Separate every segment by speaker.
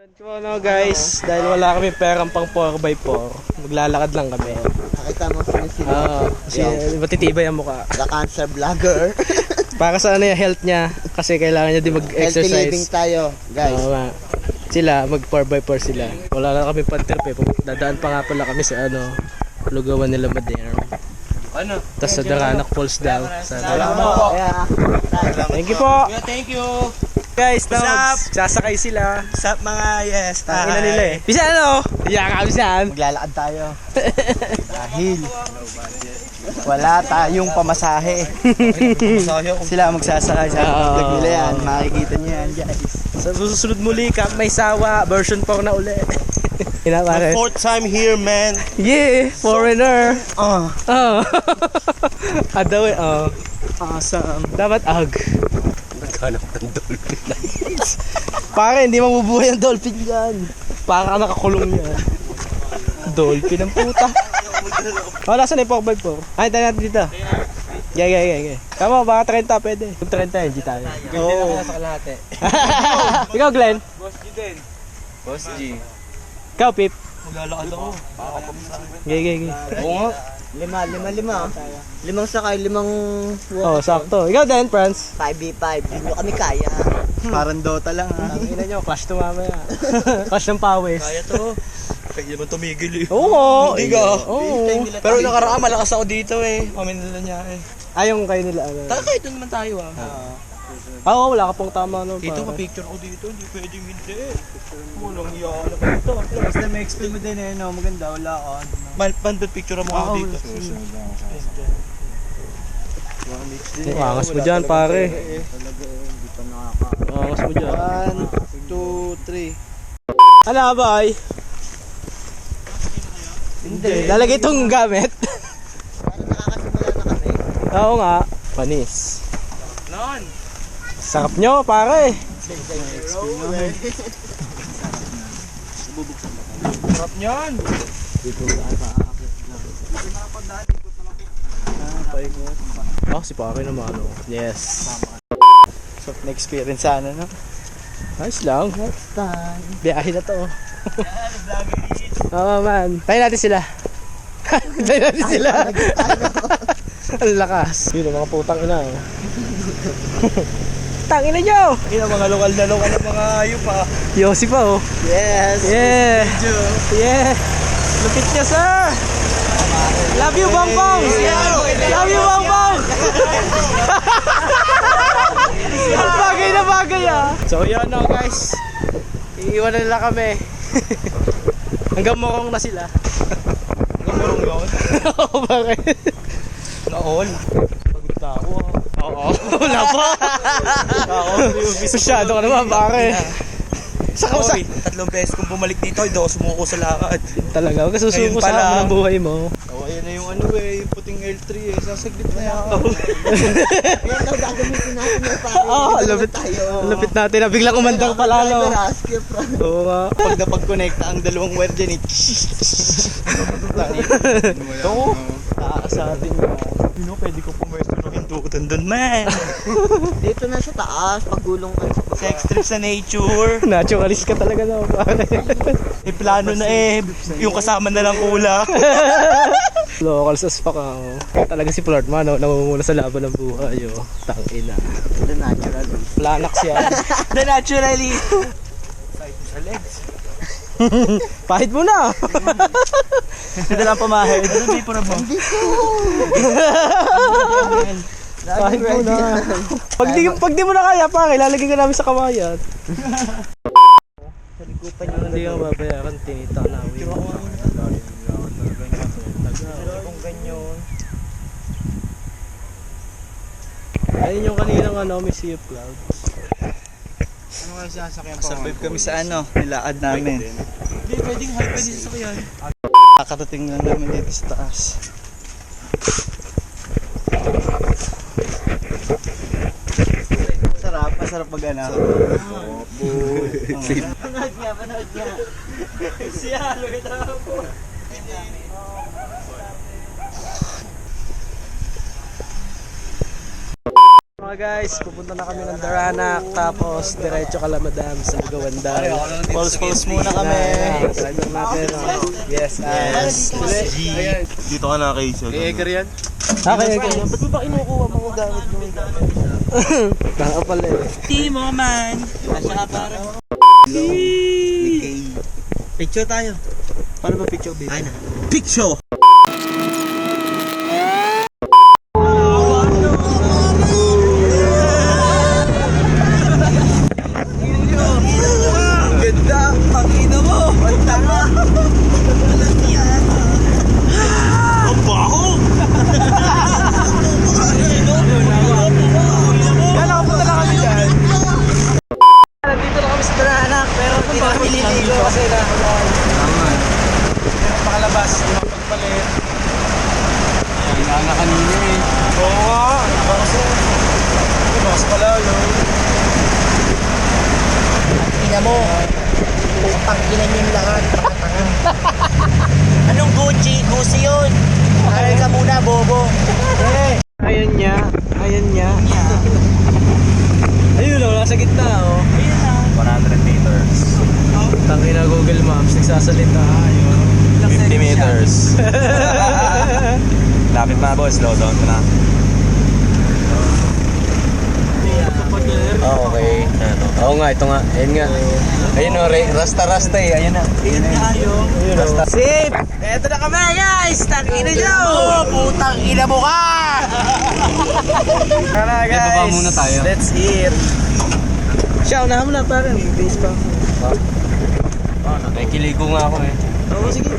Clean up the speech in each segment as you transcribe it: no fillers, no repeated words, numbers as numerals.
Speaker 1: So ano guys, dahil wala kami perang pang 4x4, maglalakad lang kami.
Speaker 2: Nakita mo sinisilip.
Speaker 1: Oo, kasi matitibay ang mukha.
Speaker 2: The cancer vlogger.
Speaker 1: Para sa ano yung health niya, kasi kailangan niya din
Speaker 2: Healthy living
Speaker 1: mag-exercise.
Speaker 2: tayo, guys.
Speaker 1: Oo nga. Sila, mag 4x4 sila. Wala na kami pan-trip eh. Dadaan pa nga pala kami sa ano, lugawan nila Madeira.
Speaker 3: Ano?
Speaker 1: Tapos sa Daranak Falls daw.
Speaker 2: Salamat po.
Speaker 1: Thank you po.
Speaker 3: Thank you.
Speaker 1: Guys,
Speaker 3: What's up?
Speaker 1: sasakay sila.
Speaker 3: Sup mga yes.
Speaker 1: Ina nila eh. Bisa ano? Iya ka, bisan.
Speaker 2: Maglalakad tayo. Dahil wala tayong pamasahe. Sila magsasakay sa vlog nila yan. Makikita niyo yan, guys.
Speaker 1: Sa susunod muli, Camp May Sawa, version 4 na uli.
Speaker 3: The fourth time here, man.
Speaker 1: Yeah, foreigner. Oh. Adaw eh, oh.
Speaker 2: Awesome.
Speaker 1: Dapat ag.
Speaker 3: Naghanap ng dolphin.
Speaker 1: Pare, hindi mabubuhay ang dolphin dyan. Para ka nakakulong yan. Dolphin ang puta. Oh, nasa na yung 4x4? Ay, tayo natin dito. Yeah. Tama, baka 30 pwede. Kung 30, hindi tayo.
Speaker 3: Oo. Sa kalahati.
Speaker 1: Ikaw, Glenn.
Speaker 3: Boss G din. Boss G.
Speaker 1: Ikaw, Pip.
Speaker 3: Maglalakad ako.
Speaker 1: Okay.
Speaker 3: Oo nga.
Speaker 2: Lima. Limang sakay, limang
Speaker 1: Oh, sakto. Ikaw din, Franz.
Speaker 2: 5v5. Hindi mo kami kaya. Parang Dota lang ha.
Speaker 1: Ang ina nyo, clash to mamaya. Clash ng pawis.
Speaker 3: Kaya to. Kaya naman tumigil eh.
Speaker 1: Oo.
Speaker 3: Hindi ka.
Speaker 1: Oo.
Speaker 3: Pero nakaraan malakas ako dito eh. Paminila niya eh.
Speaker 1: Ayong kayo nila. Ano.
Speaker 3: Kahit doon naman tayo ah.
Speaker 1: Oo, wala ka pong tama. No,
Speaker 3: Dito
Speaker 1: pare.
Speaker 3: pa-picture ko dito. Hindi pwedeng hindi. Walang iya ka na dito.
Speaker 2: Basta may explain mo din eh, no? Maganda, wala ka.
Speaker 3: Bandot picture mo ako dito.
Speaker 1: Angas mo dyan, pare.
Speaker 2: Talaga eh, hindi pa nakaka.
Speaker 1: Angas mo dyan.
Speaker 2: 1, 2, 3.
Speaker 1: Ano ba ay?
Speaker 2: Hindi.
Speaker 1: Lalagay itong gamit.
Speaker 2: Parang nakakasimula na kami.
Speaker 1: Oo nga. Panis.
Speaker 3: Non!
Speaker 1: Sarap nyo, pare.
Speaker 3: Sarap niyan!
Speaker 1: Oh, si pare naman. Oh. Yes.
Speaker 2: So, na-experience sana, no?
Speaker 1: Nice lang.
Speaker 2: Next time.
Speaker 1: Biyahe na to. Oo, man. Tayo natin sila. Tayo natin sila. Ang lakas. Yun, ang mga putang ina. Oh. Tangina nyo!
Speaker 3: Ina mga lokal na mga hayop ha.
Speaker 1: Yossi pa, oh.
Speaker 2: Yes.
Speaker 1: Yeah. Yeah. Lupit niya, sir. Love you, Bongbong. Love you, Bongbong. Bagay na bagay, ah. So, yun, no, guys. Iiwan na nila kami. Hanggang morong na sila.
Speaker 3: Gumurong yun.
Speaker 1: Oo, bakit?
Speaker 3: Naol. Pagod na ako ha.
Speaker 1: Oo, wala pa. Masyado ka naman, pare. Saka sa...
Speaker 3: Sorry, 3 beses kung bumalik dito, hindi ako sumuko sa lakad.
Speaker 1: Talaga, huwag ka susuko
Speaker 3: Ayun
Speaker 1: sa
Speaker 3: pala.
Speaker 1: amin ng buhay mo.
Speaker 3: Oh, ayan na yung ano eh, yung puting L3 eh, sasaglit na yan.
Speaker 2: Yan daw gagamitin natin yung pare.
Speaker 1: Oo, lupit. Lupit natin na biglang umandar pala, no? Oo nga.
Speaker 3: Pag napag-connecta ang dalawang wire dyan eh. Ito, nakakasatin mo. Yun o, pwede ko pumwesto ng hindutan doon, man.
Speaker 2: Dito na sa taas, pagulong ka sa baba.
Speaker 3: Sex trip sa nature.
Speaker 1: Naturalist ka talaga, no? Pare.
Speaker 3: Eh, plano na eh, yung kasama na lang kulang.
Speaker 1: Local as fuck, oh. Talaga si Flirtman, no? Namumula sa laban ng buhay, oh. Tangina.
Speaker 2: The natural.
Speaker 1: Planax yan.
Speaker 3: The naturally. Side sa legs.
Speaker 1: Pahit mo na.
Speaker 3: Ito lang pamahid. Ano di para mo?
Speaker 1: Pahit mo na. Pag di mo na kaya, pare, lalagay ka namin sa kawayan. Hindi ka mabayaran, tinita na.
Speaker 3: Kung ganyan.
Speaker 1: Ayun yung kaninang ano, may Sea of Clouds.
Speaker 3: Ano nga sasakyan pa?
Speaker 2: Survive kami sa ano, nilaad namin.
Speaker 3: Hindi, pwedeng high pwede sasakyan.
Speaker 2: Kakarating lang namin dito sa taas. Masarap mag ano. Panood niya.
Speaker 3: Siya, lugit ako.
Speaker 1: Mga guys, pupunta na kami ng Daranak, tapos diretso Kalamadam sa Lugawandan.
Speaker 2: Pulse muna kami.
Speaker 1: Drive lang natin.
Speaker 2: Yes.
Speaker 3: Dito ka na kay Sir.
Speaker 1: Okay. Ba't mo ba kinukuha mga gamit mo? Baka pala eh.
Speaker 2: Timo man. Asya ka parang. Picture tayo. Paano ba picture, baby? Ay na. Picture! Ganda! Pakina mo! Ang tama!
Speaker 3: Ang baho!
Speaker 1: Kala ko punta lang kami dyan. Nandito na kami sa Daranak, pero hindi na kami liligo kasi nakulay. Pero pakalabas, makapagpalit.
Speaker 2: Kailangan kanina eh.
Speaker 1: Oo nga, bakas pala, no?
Speaker 2: Ina mo. Pangkinan yung lahat. Anong Gucci? Gucci yun. Kaya ka muna, bobo.
Speaker 1: Ayan niya. Ayun o, nasa gitna o.
Speaker 3: 100 meters.
Speaker 1: Tangin na Google Maps, nagsasalita.
Speaker 3: 50 meters. Lapit na boss, slow down ka na.
Speaker 2: Oh, okay.
Speaker 1: Oo nga, ito nga. Ayun nga.
Speaker 2: Ayun o, rasta-rasta eh. Ayun na. Ayun na. Rasta.
Speaker 1: Safe! Eto na kami guys! Tangina nyo!
Speaker 2: Putang ina mo ka!
Speaker 1: Tara guys!
Speaker 2: baba muna tayo.
Speaker 1: Let's eat! Siya, unahan mo na parang. Base pa.
Speaker 2: May kiligo nga ako eh.
Speaker 1: Oo, sige.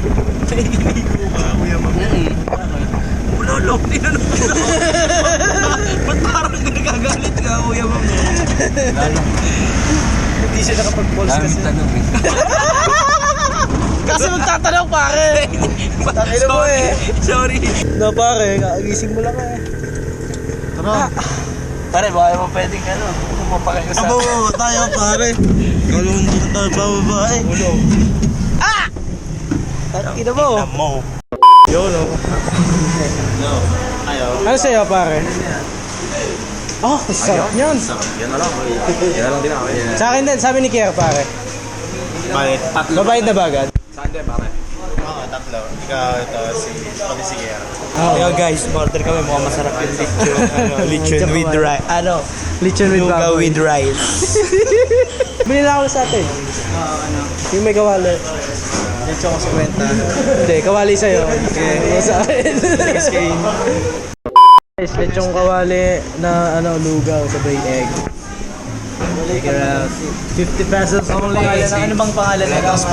Speaker 2: Ulolo, tinanong ko na. Ba't parang nagagalit ka, kuya mo?
Speaker 1: Hindi siya nakapag-pulse kasi. Kasi magtatanong pare! Tangina mo eh!
Speaker 2: Sorry.
Speaker 1: No pare, kagising mo lang eh.
Speaker 2: Tara. Pare, baka mo pwedeng ano, kumapakay ko sa...
Speaker 3: Abo, tayo pare. Kalong dito tayo bababae.
Speaker 1: Tangina mo!
Speaker 3: Mo.
Speaker 1: Yo, no? Ano sa'yo pare? Oh, sarap yan!
Speaker 3: Yan na lang. Yan na lang din ako.
Speaker 1: Sa akin din, sabi ni Kier pare.
Speaker 3: Bakit? Tatlo.
Speaker 1: Babayad na ba agad?
Speaker 3: Saan din pare? Oo, tatlo. Ikaw, ito, pati si Kiera.
Speaker 2: Kaya guys, order kami, mukhang masarap yung lechon. Lechon with rice. Ano?
Speaker 1: Lechon with
Speaker 2: Lugaw
Speaker 1: baboy.
Speaker 2: with rice.
Speaker 1: Bili na ako sa atin. Yung may kawali.
Speaker 2: Lechon ko 50.
Speaker 1: Hindi, kawali sa'yo. Okay. Sa akin. Guys, lechong kawali na lugaw sa bay egg. Check it out. 50 pesos only.
Speaker 2: Ano bang pangalan na ito?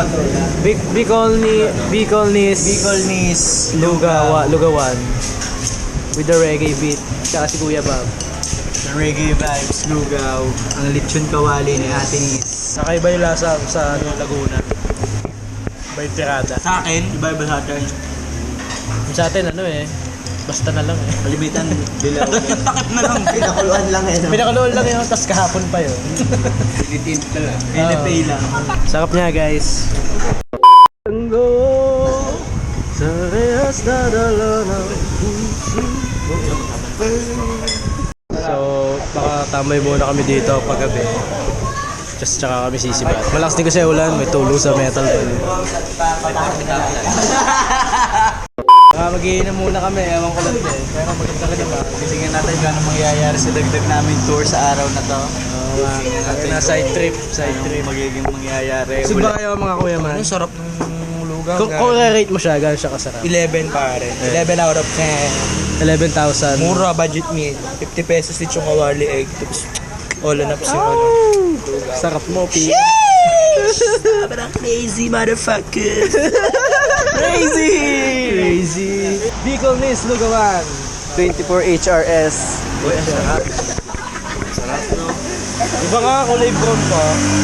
Speaker 1: Bicolnis Lugawan with the reggae beat. Tsaka si Kuya Bob.
Speaker 2: Reggae vibes, lugaw. Ang lechon kawali ni Ate Nis.
Speaker 1: Nakaiba yung lasa sa Laguna. Iba yung tirada.
Speaker 2: Sa akin, iba-iba sa atin.
Speaker 1: Sa atin basta na lang eh.
Speaker 2: Kalimitan, dilaw. Takip na lang. Pinakuluan lang eh.
Speaker 1: Pinakaluan lang yun, tas kahapon pa yun.
Speaker 2: Pilitin ka lang. Pinipay lang.
Speaker 1: Sarap niya guys. Tango sa rehas na dala ng puso. So, baka tambay muna kami dito paggabi. Just tsaka kami sisibat. Malakas din kasi ulan, may tulong sa metal pa. Mag-iinom muna kami, ewan ko lang din. Pero maganda ka naman.
Speaker 2: Tingnan natin kung anong mangyayari sa dagdag namin tour sa araw na to.
Speaker 1: Tingnan natin na side trip.
Speaker 2: Magiging mangyayari.
Speaker 1: Sud ba kayo mga kuya man?
Speaker 2: Ang sarap ng lugaw.
Speaker 1: Kung rate mo siya, gano'n siya kasarap?
Speaker 2: 11 pare. 11 out of 10.
Speaker 1: 11,000.
Speaker 2: Mura budget meal. 50 pesos lechong kawali egg. Tapos all on up yung ano.
Speaker 1: Sarap mo, Pi.
Speaker 2: Sobrang crazy motherfucker.
Speaker 1: Crazy! Bicolnis Lugawan 24 HRS.
Speaker 2: Uy, ang sarap.
Speaker 1: Iba nga, kulay brown pa.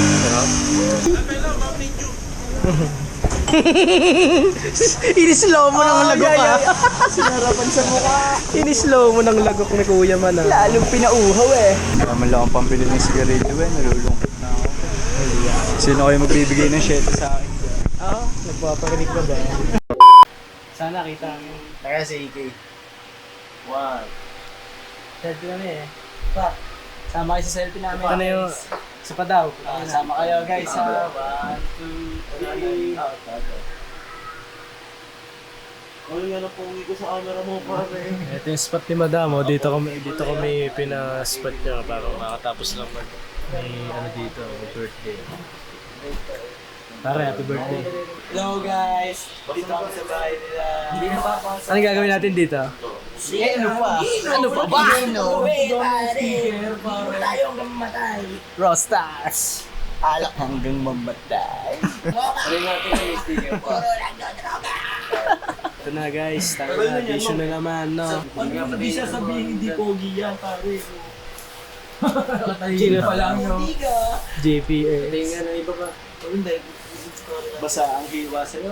Speaker 1: Inislow mo ng lagok ka.
Speaker 2: Sinarapan sa mukha.
Speaker 1: Inislow mo ng lagok ni Kuya man ah.
Speaker 2: Lalong pinauhaw eh. Naman lang ang pambili ng sigarilyo eh. Nalulungkot na ako. Sino kayo magbibigay ng 7 sa akin?
Speaker 1: Oo, nagpaparinig ka ba? Sana kita mo.
Speaker 2: Kaya si EK.
Speaker 1: Wow. Sad kami eh.
Speaker 2: Sama kayo sa selfie namin.
Speaker 1: Ano yung... Sa pa daw.
Speaker 2: Sama kayo guys sa 1, 2, 3.
Speaker 3: Ano nga na pongi ko sa camera mo, pare.
Speaker 1: Ito yung spot ni Madam. Oh. Dito kami pina-spot niya para makatapos lang may ano dito, may birthday. Pare, happy birthday.
Speaker 2: Hello guys! Dito ako sa bahay nila. Hindi na pa ako sa...
Speaker 1: Ano gagawin natin dito?
Speaker 2: Ano pa? Ano pa ba? Tayong mamatay.
Speaker 1: Rostars!
Speaker 2: Alak hanggang mamatay. Ano natin yung sticker po?
Speaker 1: Ito na guys, tayo na, vision na naman, no?
Speaker 3: Hindi siya sabihin hindi pogi yan, pare.
Speaker 1: Sino
Speaker 2: pa lang, no?
Speaker 1: JPS.
Speaker 2: Tingnan na iba pa. Hindi. Basa ang hiwa sa'yo.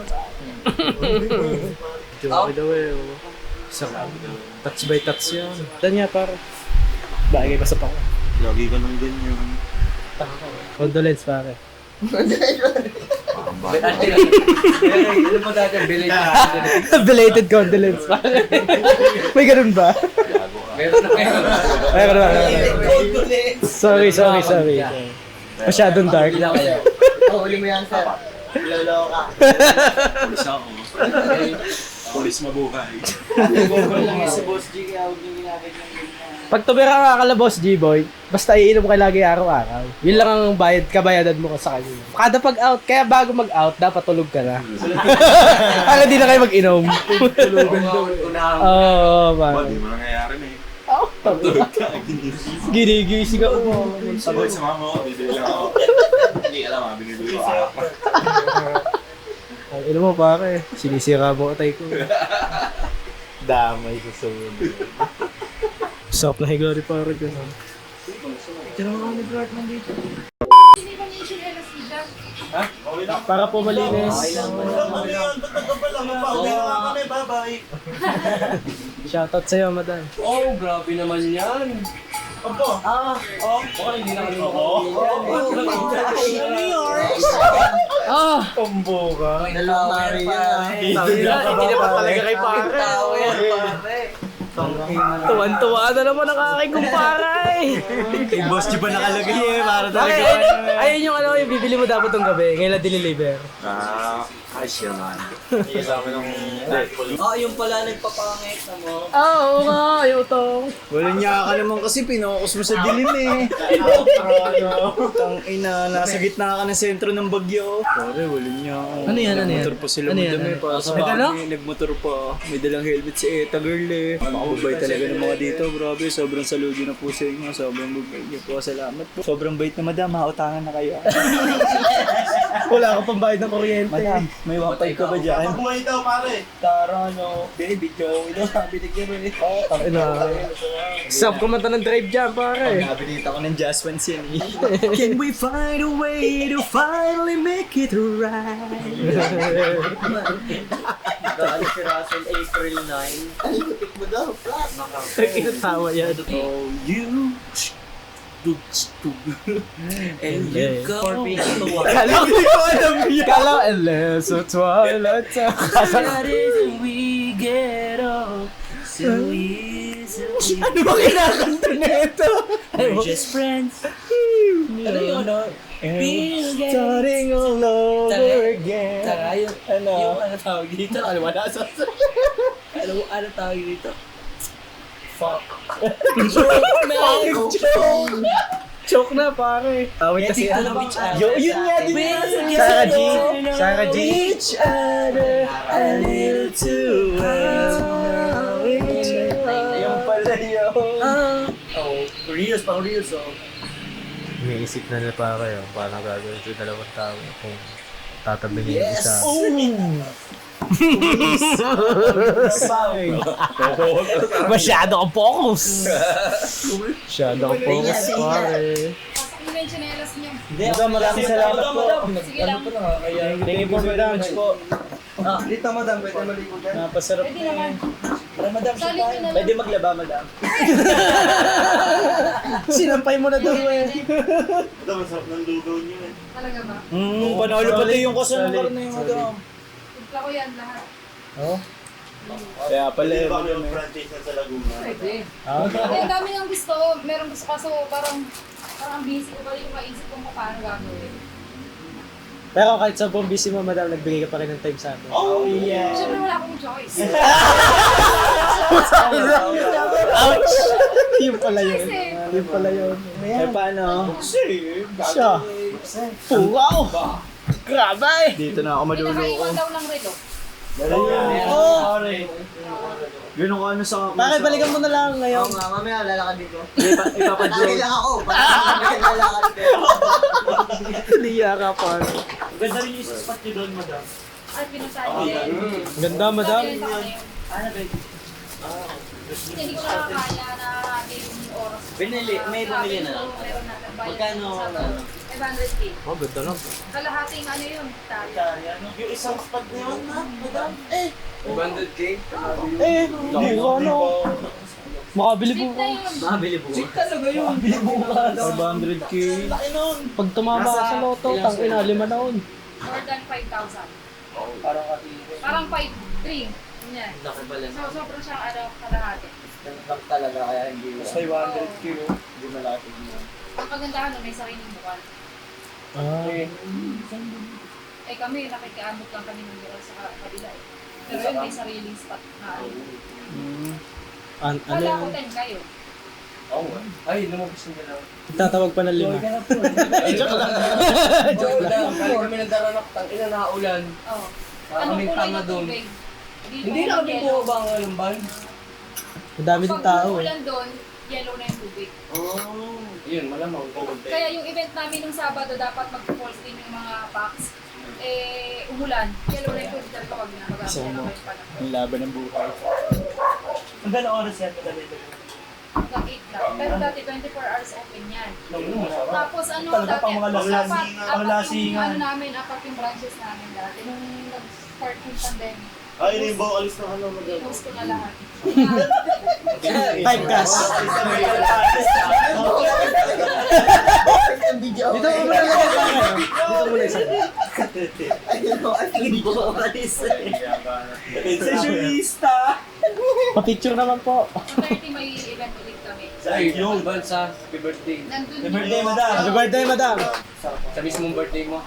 Speaker 1: Joke daw eh. Oh. Isa ka. Touch by touch yun. Dan niya par. Bagay pa sa pako.
Speaker 3: Lagi ka nang ganyan.
Speaker 1: Condolence pare.
Speaker 2: Ano pa dati?
Speaker 1: Belated condolence pare. May ganun ba?
Speaker 2: Meron na kayo.
Speaker 1: Ay, ganun ba? Sorry. Masyadong dark.
Speaker 2: Huli mo yan, sir. Lolo ka.
Speaker 3: Pulis ako. Pulis mabuhay.
Speaker 2: Google lang yan si Boss G, kaya huwag niyo ginagay yung ganyan.
Speaker 1: Pag tumira ka kala Boss G-Boy, basta iinom ka lagi araw-araw. Yun lang ang kabayadan mo sa kanya. Kada pag-out, kaya bago mag-out, dapat tulog ka na. Para di na kayo mag-inom.
Speaker 2: Tulugan daw.
Speaker 1: Oo, man.
Speaker 3: Hindi mo nangyayari na eh.
Speaker 1: Tulog
Speaker 3: ka, ginising.
Speaker 1: Ginigising ka.
Speaker 3: Saboy sa mama ko, bibili lang ako. Hindi alam ha, binibili ko ako.
Speaker 1: Ang ino mo pare, sinisira mo atay ko. Damay sa sumunod. Sarap na higari pare gano'n. Para po malinis. Shoutout sa'yo, madam.
Speaker 2: Oh, grabe naman yan. Baka hindi na kami
Speaker 1: Tombo ka.
Speaker 2: Dalawang Maria.
Speaker 1: Hindi na talaga kay pare.
Speaker 2: Tao yan, pare.
Speaker 1: Tuwan-tuwa na naman ang aking kumpare.
Speaker 3: Yung boss di ba nakalagay eh, para talaga.
Speaker 1: Ayun yung ano, yung bibili mo dapat tong gabi. Ngayon na diniliver.
Speaker 3: Ayos yan man. Hindi sa amin ng...
Speaker 2: Yung pala nagpapangit na mo.
Speaker 1: Oo nga, yung utong.
Speaker 2: Walang niya ka naman kasi pinokos mo sa dilim eh. Tang ina, nasa gitna ka ng sentro ng bagyo. Pare, walang niya ako.
Speaker 1: Ano yan?
Speaker 2: Nagmotor pa sila madami pa. Sa bahay, nagmotor pa. May dalang helmet si Eta girl eh. Makababay talaga ng mga dito, grabe. Sobrang saludo na po sa inyo. Sobrang babay niyo po. Salamat po. Sobrang bait na madam, mautangan na kayo.
Speaker 1: Wala ka pang bayad ng kuryente.
Speaker 2: Madam, may 1.5 ka ba dyan?
Speaker 3: Buhay daw pare.
Speaker 2: Tara, no. Binibidyo. Ito, binigyan mo eh.
Speaker 1: Sarap kumanta ng drive dyan, pare.
Speaker 2: Nabilita ko ng Jazz Ones yan eh. Can we find a way to finally make it right? Dahil si Russell April 9. Ay, butik mo daw.
Speaker 1: Kinatawa yan.
Speaker 2: Oh, you... And you go...
Speaker 1: Kala ko alam yan. Kala, unless it's twilight time.
Speaker 2: That is we get off so easily.
Speaker 1: Ano ba kinakanta na ito?
Speaker 2: We're just friends. Ano yun?
Speaker 1: Starting all over again.
Speaker 2: Tara, yung ano tawag dito? Ano wala sa... Ano tawag dito? Fuck.
Speaker 1: Choke na, pare. Awit kasi
Speaker 2: ano
Speaker 1: yun nga din. Sarah G.
Speaker 2: Each other a little too well.
Speaker 1: Yung pala yun.
Speaker 2: Reels, pang reels,
Speaker 1: Iniisip na nila pare, paano gagawin ito dalawang tao kung tatabingin yung isa. Masyado kang focus. Masyado kang focus, pare.
Speaker 4: Pasok mo na yung tsinelas niyo.
Speaker 2: Madam, maraming salamat po.
Speaker 4: Sige lang.
Speaker 2: Thank you po, madam. Dito, madam, pwede maligo dyan. Napasarap
Speaker 4: Pwede naman.
Speaker 2: Para, madam,
Speaker 4: Solid yun na lang.
Speaker 2: pwede maglaba, madam.
Speaker 1: Sinampay mo na daw eh.
Speaker 3: Ito, masarap ng lugaw niyo eh.
Speaker 4: Talaga ba?
Speaker 2: Panalo pati yung kasunod na yung madam.
Speaker 4: Timpla ko yan lahat.
Speaker 2: Kaya pala eh.
Speaker 4: franchise na sa Laguna.
Speaker 5: Pwede.
Speaker 2: Ah,
Speaker 5: Kasi ang dami ng gusto. Meron gusto kaso parang busy ko pa yung maisip kung paano gagawin.
Speaker 1: Pero kahit sobrang busy mo, madam, nagbigay ka pa rin ng time sa amin.
Speaker 4: Oh, yeah.
Speaker 5: Siyempre wala akong choice.
Speaker 1: Ouch! Yung pala yun.
Speaker 5: Kasi,
Speaker 1: Yung pala yun.
Speaker 2: eh paano?
Speaker 1: Siya. Wow! Grabe!
Speaker 2: Dito na ako maluluko.
Speaker 5: pinakaiwan daw ng relo.
Speaker 1: Oh!
Speaker 2: Ganun ko ano sa...
Speaker 1: Bakit balikan mo na lang ngayon?
Speaker 4: Mamaya lalakad dito.
Speaker 2: Ipapadyo.
Speaker 4: lang ako. Bakit lalakad dito?
Speaker 1: Liya ka pa.
Speaker 3: Ganda rin yung spot nyo doon, madam.
Speaker 5: At pinuntahan din.
Speaker 1: Ganda, madam.
Speaker 5: Hindi ko nakakaya na yung oras.
Speaker 4: May bumili na lang.
Speaker 5: Meron na.
Speaker 4: Magkano?
Speaker 5: 500K.
Speaker 1: Oh, ganda lang.
Speaker 5: Kalahating ano yun? Tari.
Speaker 4: Yung isang spot na yun, madam.
Speaker 2: 100K?
Speaker 1: Eh, hindi ko ano. Makabili po
Speaker 5: Cheap na yun.
Speaker 4: Mabili po.
Speaker 2: Talaga yun. 500K.
Speaker 4: Laki nun.
Speaker 1: Pag tumama ka sa loto, tangina, 5 na nun.
Speaker 5: More than 5,000.
Speaker 2: Parang katibay.
Speaker 5: Parang 5,300. Ganyan.
Speaker 4: Laki pala.
Speaker 5: So, sobrang siyang ano, kalahati.
Speaker 4: Lang talaga kaya hindi.
Speaker 2: Mas may 100K oh. Hindi malapit mo.
Speaker 5: Ang kagandahan nun, may sariling bukal.
Speaker 1: Ah.
Speaker 5: Eh kami, nakikiamot lang kami ng bukal sa kabila eh. Pero yun, may sariling spot na ano.
Speaker 1: Ano
Speaker 5: Wala ko
Speaker 1: yun?
Speaker 5: 10 kayo.
Speaker 2: Oo. Ay, lumabas yung dalawa.
Speaker 1: Tatawag pa ng 5.
Speaker 2: Joke lang. Kali kami nagdaranak. Tangina na ulan.
Speaker 5: Oo.
Speaker 2: Parang
Speaker 5: Anong
Speaker 2: kaming
Speaker 5: kulay
Speaker 2: tanga
Speaker 5: na
Speaker 2: doon.
Speaker 5: tubig?
Speaker 2: Hindi na kami
Speaker 5: yellow.
Speaker 2: bumaba ang alamban.
Speaker 1: Ang dami din tao eh.
Speaker 5: ulan doon, yellow na yung tubig.
Speaker 2: Yun, malamang.
Speaker 5: Kaya yung event namin nung Sabado, dapat mag-falls din yung mga packs. Eh, umulan. Yellow na yung tubig talaga kapag namagamit na kayo panahon.
Speaker 2: Ang laban ng buhay.
Speaker 3: Hanggang oras yan, madam ito.
Speaker 5: Hanggang 8 lang. Pero dati 24 hours open yan.
Speaker 2: Masarap.
Speaker 5: Tapos ano,
Speaker 3: Talaga pang mga
Speaker 5: apat yung
Speaker 3: lasingan.
Speaker 5: ano namin, apat yung branches namin dati. Nung nag-start yung pandemic,
Speaker 4: Ay, rainbow, alis na ano, madam.
Speaker 5: pinost ko na lahat.
Speaker 1: 5 gas. Dito mo muna lang yung camera. Dito muna isa.
Speaker 4: Hindi ko alis.
Speaker 3: Sessionista!
Speaker 1: Pa-picture naman po.
Speaker 5: Yung 30 may event ulit kami.
Speaker 2: Ay, yung bansa. Happy birthday.
Speaker 5: Nandun
Speaker 3: Happy birthday, madam.
Speaker 1: Happy birthday, madam.
Speaker 2: Sa mismong birthday mo.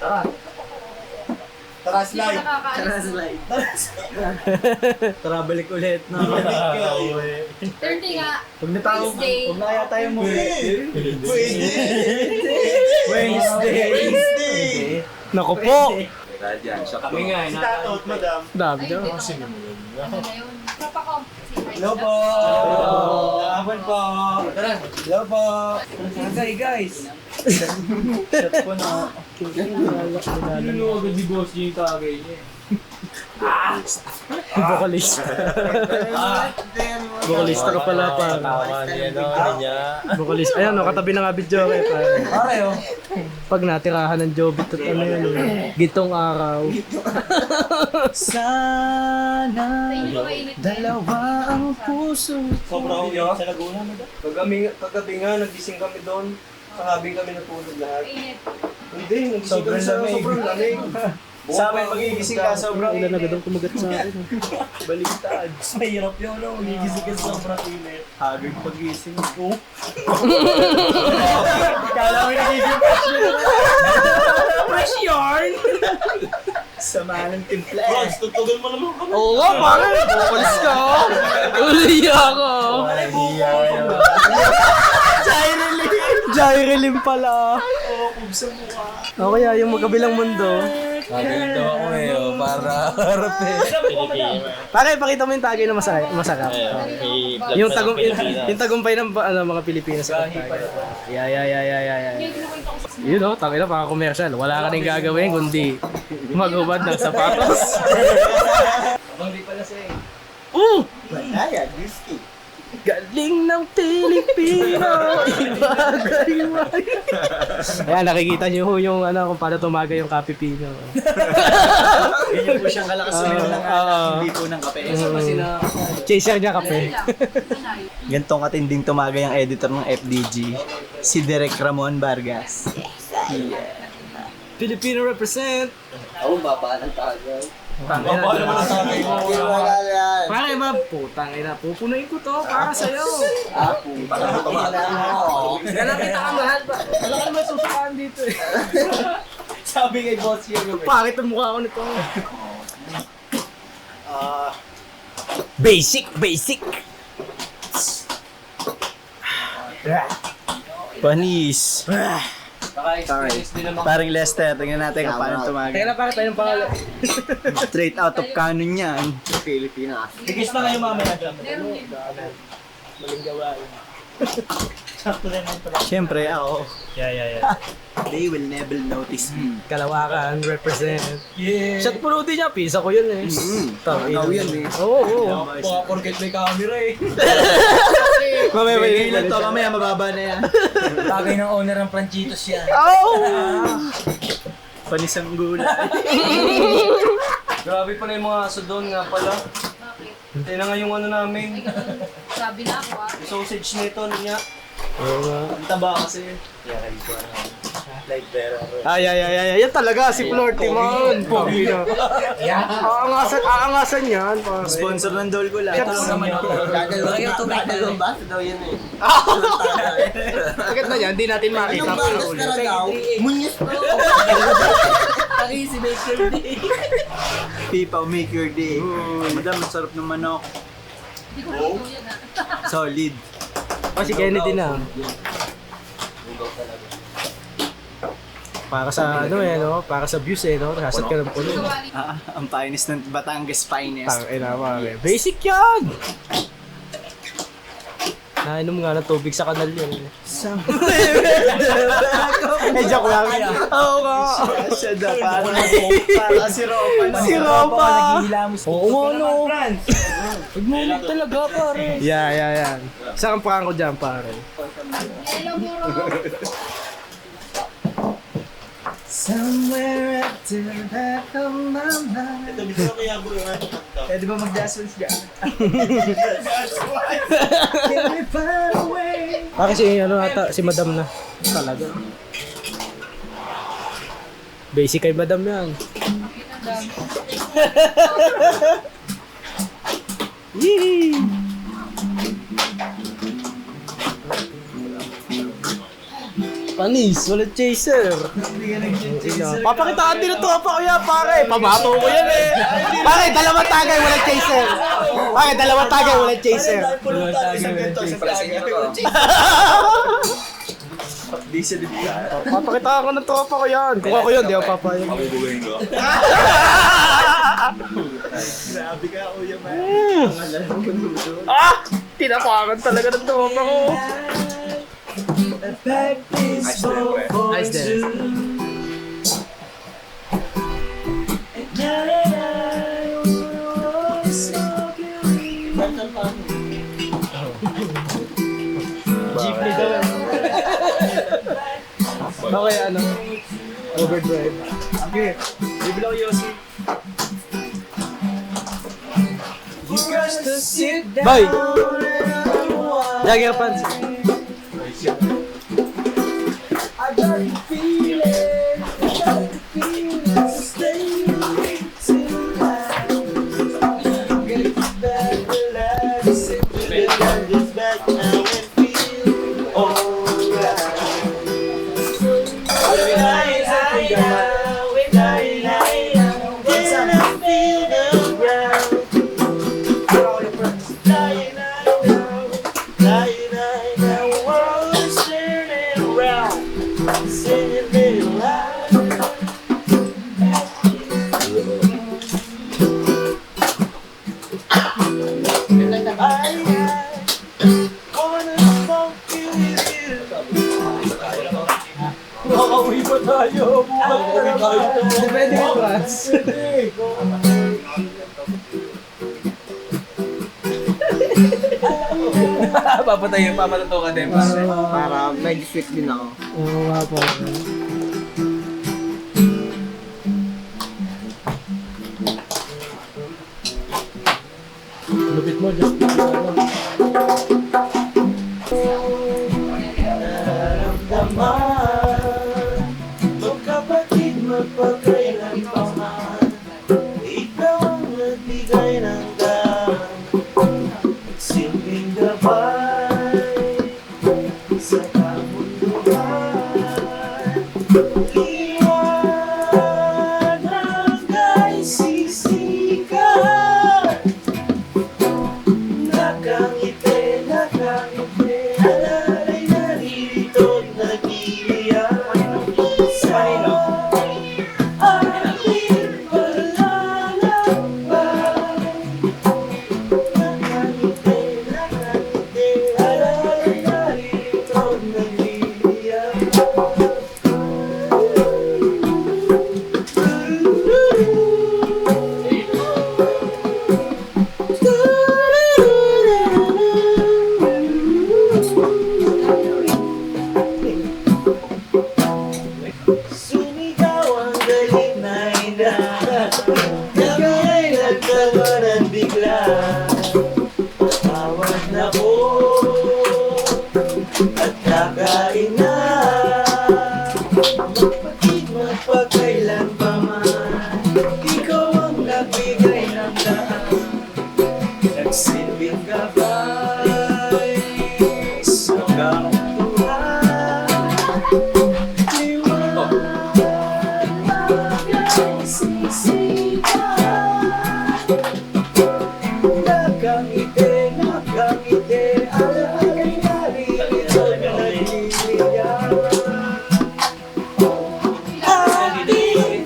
Speaker 4: Tara,
Speaker 5: Hindi ko nakakaalis.
Speaker 2: Tara, balik ulit. No?
Speaker 5: 30 nga, Wednesday.
Speaker 2: Huwag na kaya tayo mo.
Speaker 4: Wednesday!
Speaker 1: Naku po.
Speaker 2: Kami nga,
Speaker 4: Si Tatot, madam.
Speaker 1: Dami
Speaker 5: Ay,
Speaker 1: daw.
Speaker 5: hindi naman. Ano na yun? Tropa ko.
Speaker 2: Hello po! Hapon po! Tara! Hello po! Okay guys! Shot po na. Ano agad ni boss niya yung tagay niya.
Speaker 1: Vocalist. Vocalista ka pala pa. Vocalist. Ayan, no, katabi na nga video.
Speaker 2: Pare oh!
Speaker 1: Pag natirahan ng Jobit at ano yun, gitong araw.
Speaker 2: Sana
Speaker 5: Hindi ko mainit.
Speaker 2: dalawa ang puso.
Speaker 3: Sobrang uwi sa Laguna, madam.
Speaker 2: Kagabi nga, nagising kami doon. Kakabing kami natulog lahat.
Speaker 5: Mainit.
Speaker 2: Hindi, nagising kami sa sobrang lamig. Sa amin magigising ka sobrang
Speaker 1: Ilan agad ang kumagat sa akin.
Speaker 2: Baliktad.
Speaker 3: Mahirap yun, no? Magigising ka sa sobrang init.
Speaker 2: Hagag pagising ko.
Speaker 3: Kala mo yung nagiging fresh yarn!
Speaker 2: Sama ng timpla.
Speaker 4: Bronx, tutugan mo naman kami.
Speaker 1: Oo nga, pare. Vocalist ka. Uli ako. Jairelim pala. O kaya yung magkabilang mundo.
Speaker 2: Gagawin daw ako eh, para harap eh.
Speaker 1: Pare, pakita mo yung tagay na masarap. Yung tagumpay ng mga Pilipinas. Yeah.
Speaker 5: Yung kinukwento ko sa
Speaker 1: Yun o, tangin na, paka commercial. Wala ka rin gagawin kundi magubad ng sapatos.
Speaker 2: Hindi pala siya eh.
Speaker 4: Kaya, whiskey.
Speaker 1: Galing ng Pilipino, ibagay-wag. Ayan, nakikita niyo ho yung ano, kung paano tumagay yung Kapipino.
Speaker 3: Ganyan po siyang kalakas hindi po ng kape.
Speaker 1: Chaser niya kape.
Speaker 5: sanay.
Speaker 2: Gantong katinding tumagay ang editor ng FDG, si Derek Ramon Vargas.
Speaker 1: Filipino represent.
Speaker 4: Ako, baba ng tagay.
Speaker 3: Mapapala mo na sa akin.
Speaker 4: Wala yan.
Speaker 1: Pare ba, putang ina, pupunuin ko to para sa'yo. Kaya nakita ka mahal ba? Wala ka naman susukaan dito eh.
Speaker 3: Sabi kay boss yun.
Speaker 1: Pangit ang mukha ko nito. Basic.
Speaker 3: Panis. Parang Lester, tingnan natin kung paano
Speaker 1: Kaya
Speaker 3: tumagi.
Speaker 1: na pare tayo ng pangalan.
Speaker 3: Straight out of canon yan.
Speaker 4: Pilipinas.
Speaker 3: Tigis na kayo mamaya dyan.
Speaker 5: Meron din.
Speaker 3: Siyempre ako.
Speaker 1: Yeah.
Speaker 3: They will never notice me.
Speaker 1: Kalawakan, represent.
Speaker 3: Yeah.
Speaker 1: Shot puno din niya, pisa ko yun eh.
Speaker 4: Ikaw yan eh.
Speaker 1: Oo.
Speaker 3: Baka porket may camera eh.
Speaker 1: Mamaya
Speaker 3: May ilan to, mamaya mababa na yan.
Speaker 4: Bagay ng owner ng Franchitos yan.
Speaker 3: Panis ang gulay.
Speaker 2: Grabe pala yung mga aso doon nga pala.
Speaker 5: Bakit?
Speaker 2: Tingnan nga yung ano namin.
Speaker 5: Sabi na ako ah.
Speaker 2: Sausage nito niya.
Speaker 1: Oo nga.
Speaker 3: Ang taba kasi. Like better.
Speaker 1: Ay. Yan talaga, si Florty man. Pogi na. Aangasan yan. Pare.
Speaker 3: Sponsor ng Dolgo lang.
Speaker 1: Ito
Speaker 3: lang naman ako.
Speaker 4: Gagawin ba? Daw yan eh.
Speaker 1: Agad na yan, hindi natin makita.
Speaker 4: Anong bangas na daw? Munyes bro. Si Baker Day.
Speaker 3: Pipa, make your day. Madam, ang sarap ng manok.
Speaker 5: Hindi ko luto yan ah.
Speaker 3: Solid.
Speaker 1: O si Kennedy na. Para sa ano eh, no? Para sa views eh, no? Nasat ka ng puno.
Speaker 5: Sawali.
Speaker 3: Ang finest ng Batangas finest.
Speaker 1: Tangina pare. Basic yan! Nainom nga ng tubig sa kanal yun. Eh, joke lang. Oo nga.
Speaker 3: Siya da, para si Ropa.
Speaker 1: Si Ropa! Oo nga, no. Nagmulit talaga, pare. Yan. Isa kang prank ko dyan, pare.
Speaker 5: Hello, Muro.
Speaker 3: Somewhere at the back of my mind.
Speaker 4: Ito, dito kaya bro yung ano.
Speaker 3: Eh, di ba mag-jasmines dyan? Can we find a way?
Speaker 1: Kasi ano ata, si Madam na. Talaga. Basic kay Madam yan.
Speaker 5: Ang dami.
Speaker 1: Yee! Panis, walang chaser. Papakitaan din ito pa kuya, pare. Pamato ko yan eh. Pare, dalawang tagay, walang chaser. Pare, dalawang tagay, walang chaser.
Speaker 3: Diesel din yan.
Speaker 1: Papakitaan ko ng tropa ko yan. Kung ako yun, di ako papayag.
Speaker 3: Grabe ka, Kuya Man.
Speaker 1: Tinapakan talaga ng tropa ko. Nice dance. Jeepney daw. Okay, ano? Overdrive.
Speaker 3: Okay, bibila ko Yossi.
Speaker 1: Boy! Jagger pants. Depende kay Franz.
Speaker 3: Papatuto ka din.
Speaker 4: Para medyo sweet din ako.
Speaker 1: Oo nga po. Lupit mo, just
Speaker 4: Magkapatid, magpagkailan pa man. Ikaw
Speaker 2: na. Kami ay nagtawanan bigla. Tawad na ko at kakain na. Magpakailan pa man, ikaw ang nagbigay ng lahat. Nagsilbing gabay sa kamutuhan. Nakangiti, alay narito na nagliligawan. Ating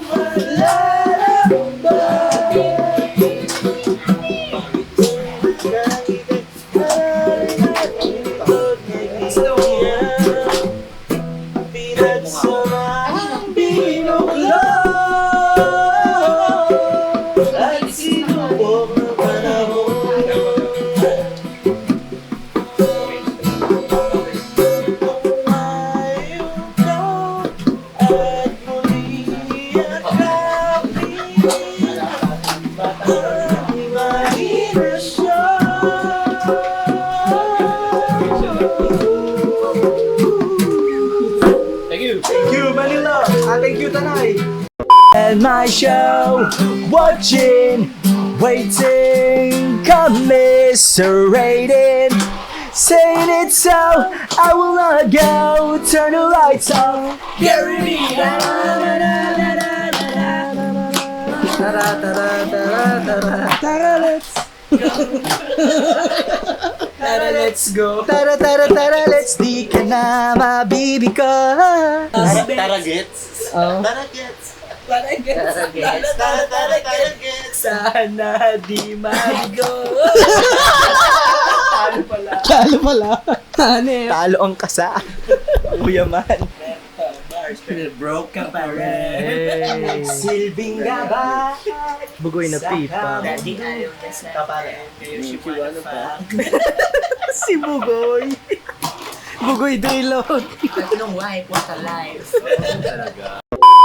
Speaker 2: Pinagsamang binuklod at sinubok ng panahon. Mayroon at muli at kapit ang imahinasyon.
Speaker 3: Thank you, Manila. Thank you, Tanay.
Speaker 2: And my show, watching, waiting, commiserating, saying it so, I will not go, turn the lights off, carry me let's go. Tara, tara, tara, let's di ka na mabibig ko.
Speaker 4: Taragets?
Speaker 2: Oh.
Speaker 4: Taragets.
Speaker 2: Sana di mabigo.
Speaker 1: Talo pala.
Speaker 2: Talo ang kasa. Kuya man.
Speaker 4: Broke ka pa rin.
Speaker 2: Silbing gaba.
Speaker 1: Bugoy na pipa.
Speaker 4: Daddy, ayaw na sa kapare.
Speaker 2: Si Bugoy. Bugoy Daylon.
Speaker 4: Tatlong wife, what a life.
Speaker 3: Talaga.